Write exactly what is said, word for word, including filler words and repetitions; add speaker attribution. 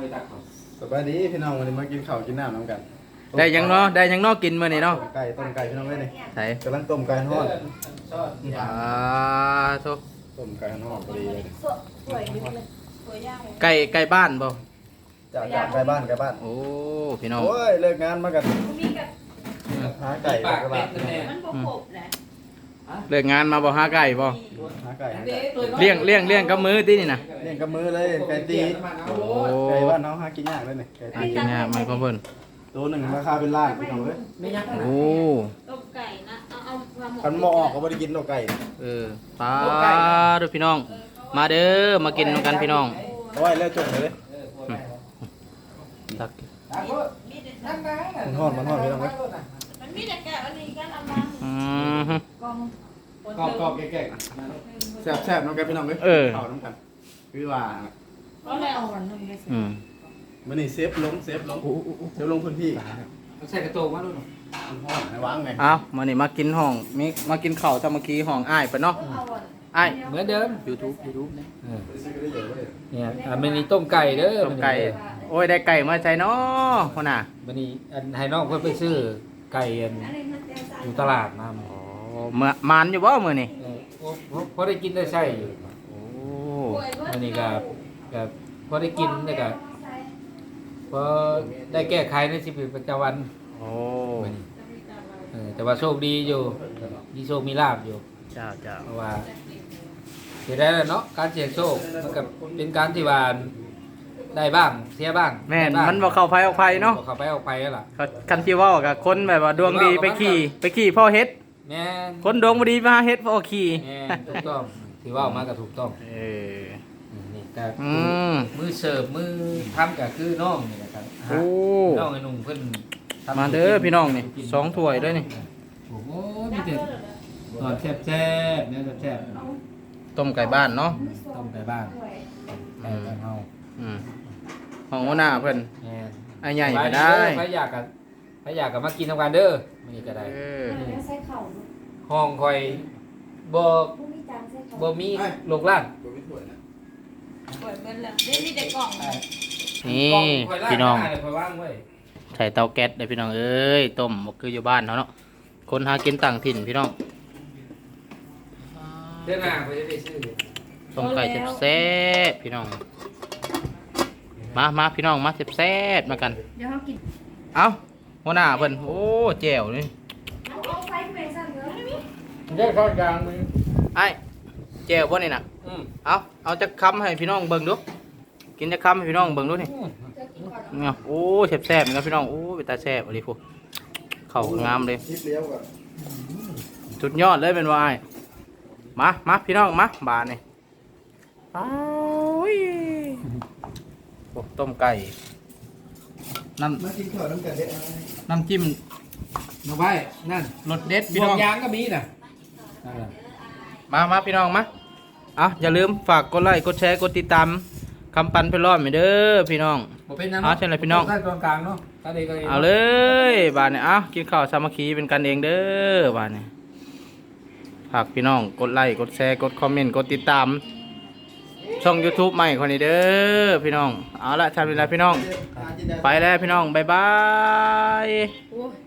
Speaker 1: ไปตักเขา
Speaker 2: สบายดีพี่น้องวันนี้มากินข้าวกินน้ำน้ำกัน
Speaker 3: ได้ยังเนาะได้ยังเนาะกินมื้อนี้เนาะ
Speaker 2: ไก่ต้มไก่พี่น้องเลยนี่
Speaker 3: ไส
Speaker 2: กำลังต้มไก่ทอด
Speaker 3: อ่าโท
Speaker 2: ต้มไก่ทอดพอดีเลย
Speaker 4: สวยดีเลยสวยย่าง
Speaker 3: ไก่ไก่บ้านบ่
Speaker 2: จากจากไก่บ้านไก่บ้าน
Speaker 3: โอ้พี่น้อง
Speaker 2: โอ้ยเลิกงานมากัน
Speaker 4: มีกับ
Speaker 2: หาไก่
Speaker 1: ปาก
Speaker 2: กระ
Speaker 1: เป็
Speaker 2: บะ
Speaker 1: ดนั่นแหละ
Speaker 4: มันบกบนะ
Speaker 3: เลิกงานมาบ่หาไก่บ่
Speaker 2: หาไก่หาไก่
Speaker 3: เลี้ยงเลี้ยงเลี้ยงกับมือตินี่น่ะ
Speaker 2: เลี้ยงกับมือเลยไก่ตี
Speaker 3: โอ้
Speaker 2: ไก่บ้านน้องหากินยากเลยนี่ไก่
Speaker 3: หา
Speaker 2: ตี
Speaker 3: กินยากไหมพ่อเพิ่น
Speaker 2: ตัวหนึ่งราคาเป็นล้านพี่น้องเลย
Speaker 1: ไม่ยักษ์
Speaker 3: โอ้
Speaker 4: ต้มไก่นะเอาเอามาหมก
Speaker 2: คันหมอออกก็ไม่ได้กินตัวไก่
Speaker 3: เออปลาเด้อพี่น้อง มาเด้อมากินนำกันพี่น้อง
Speaker 2: เอาไว้แล้วจบเลย
Speaker 3: ตัก
Speaker 4: มีแต่
Speaker 2: มันทอดมันทอดพี่น้องเลย
Speaker 4: มันมีแต่แกะอันนี้ก็เอามา
Speaker 3: อืมฮึ
Speaker 4: กอง
Speaker 2: กรอบกรอบแก่ๆแซ่บแซ่บน้องแกพี่น้องเลยข้าวน้ำกันคือว่า
Speaker 4: ก็เลยเอาวันนึงเลย
Speaker 3: อืม
Speaker 2: มันนี่เซฟลงเซฟลงเซฟลงพื้นที่
Speaker 1: ใส่กระโตงมาด้วย
Speaker 2: มันทอดให้วางไง
Speaker 3: เอามานี่มากินห้องมีมากินข้าวตะเมื่อกี้ห้องอ้ายเพิ่นเนาะ
Speaker 4: เอาวัน
Speaker 3: อ้าย
Speaker 1: เหมือนเดิม
Speaker 3: YouTube YouTube เนี่ย
Speaker 1: เนี่ยอ่ามันมีต้มไก่เด้อ
Speaker 3: ต้มไก่โอ้ยได้ไก่มาใส่เนาะพ่อน่ะ
Speaker 1: มันนี่อันให้น้องเพิ่นไปซื้อไก่อันอยู่ตลาดมา
Speaker 3: โอ้เมื่อมานอยู่บ่มื้อนี้
Speaker 1: เออโอ้พอได้กินได้ใช่อยู่
Speaker 3: โอ้
Speaker 1: มันนี่ก็ก็พอได้กินได้ก็พอได้แก้ไขในชีวิตประจำวัน
Speaker 3: โอ้
Speaker 1: มื้อนี้เออแต่ว่าโชคดีอยู่มีโชคมีลาภอยู่
Speaker 3: เจ้าเจ้า
Speaker 1: เพราะว่าเสียได้แล้วเนาะการเสี่ยงโชคมันก็เป็นการที่ว่าได้บ้างเสียบ้าง
Speaker 3: แม่น
Speaker 1: ได้บ้ง
Speaker 3: มันบ่เข้าไผออกไผเนาะ
Speaker 1: บ่เข้าไปออกไปแล้วล่ะ
Speaker 3: เขาคันที่เว้ากับคนแบบว่าดวงดีไปขี่ไปขี่พ่อเฮ็ด
Speaker 1: แม่น
Speaker 3: คนดวงบ่ดีมาเฮ็ดพ่อขี่
Speaker 1: แม่นถูกต้องที่ว่ามาก็ถูกต้อง
Speaker 3: เออ
Speaker 1: อืมนี่ก็
Speaker 3: อืม
Speaker 1: มือเสิร์ฟมือทำก็คือน้องนี่แหละครับ
Speaker 3: โอ้
Speaker 1: น้องไอ้หนุ่มเพิ่นทำ
Speaker 3: มาเด้อพี่น้องนี่สองถ้วยเด้อนี่
Speaker 1: โอ้โหมีแต่ตอนแซ่บๆเนี่ยแซ่บ
Speaker 3: ต้มไก่บ้านเนาะ
Speaker 1: ๆต้มไก่บ้านไก่บ้านเฮา
Speaker 3: อืมห้องหัวหน้าเพิ่น
Speaker 1: แม่น
Speaker 3: ไอ้ใหญ่ก็ได้
Speaker 1: ใครอยากกันใครอยากกันมากินทำกันเด้อมันนี่ก็ได้
Speaker 3: เออ
Speaker 4: ใส่เข่า
Speaker 1: ห้องคอยบ่
Speaker 4: ผู้มีจานใส่เข่า
Speaker 1: บ่มีโลกล้าน
Speaker 2: ตัวไม่สวยนะ
Speaker 4: เปิดเบิ้ลแล้วเดี๋ยวมีแต่กล่อง
Speaker 3: นี่
Speaker 1: กล้คอยล้า
Speaker 3: พี่น้อง
Speaker 1: ได้คอยว่างไว้
Speaker 3: ใส่เตาแก๊สเด้อพี่น้องเอ้ยต้มบ่คืออยู่บ้านเนาะเนาะคนหากินต่างถิ่นพี่น้อง
Speaker 1: เดือนหน้าคอยจะได้ซื้อ
Speaker 3: ต้มไก่แซ่บๆพี่น้อง มามาพี่น้องมาแซ่บๆมากัน
Speaker 4: เดี๋ยวเขากิน
Speaker 3: เอ้าหัวหน้าเพิ่นโอ้แจ่วนี่
Speaker 4: เอาเอาไฟไปสั่งเนื้อได้ไหม
Speaker 1: ได้ข้าวกลางมือ
Speaker 3: ไอ้แจ่วบ่นี่น่ะ
Speaker 1: อืม
Speaker 3: เอาเอาจักคำให้พี่น้องเบิ่งดูกินจักคำให้พี่น้องเบิ่งดูนี่
Speaker 4: จะกินก่อน
Speaker 3: เนี่ยโอ้แซ่บๆเหมือนกันพี่น้องโอ้เป็นตาแซ่บอะไรพวกเข้างามเลย
Speaker 2: คลิปเลี้ยวก่อน
Speaker 3: สุดยอดเลยเป็นว่าไอ้มามาพี่น้องมาบานนี่อ้าวโอ้ต้มไก่น้
Speaker 2: มากินข้าวน้ำกันเด็ด
Speaker 3: ำน้ำจิ้ม
Speaker 1: มาไว้นั่น
Speaker 3: รสเด็ด
Speaker 1: บ
Speaker 3: พี่
Speaker 1: ว
Speaker 3: น้
Speaker 1: ก
Speaker 3: อง
Speaker 1: ยางก็มีน่ะนั่นน่ะ
Speaker 3: มามาพี่น้องมาเอาอย่าลืมฝากกดไลค์กดแชร์กดติดตามคำปันเพลรอดไปเด้อพี่น้อง
Speaker 1: บ่เป็นนะ
Speaker 3: เอาเชิญเลยพี่น้อง
Speaker 1: ข้าวกลางๆเนาะถ้าได้ก็ได้
Speaker 3: เอาเลยบานนี่เอากินข้าวสามัคคีเป็นกันเองเด้อบานนี่ฝากพี่น้องกดไลค์กดแชร์กดคอมเมนต์กดติดตาม ช่อง YouTube ใหม่คนนี้เด้อพี่น้องเอาละทำเวลาพี่น้อง ไปแล้วพี่น้องบ๊ายบาย
Speaker 4: โอ้ย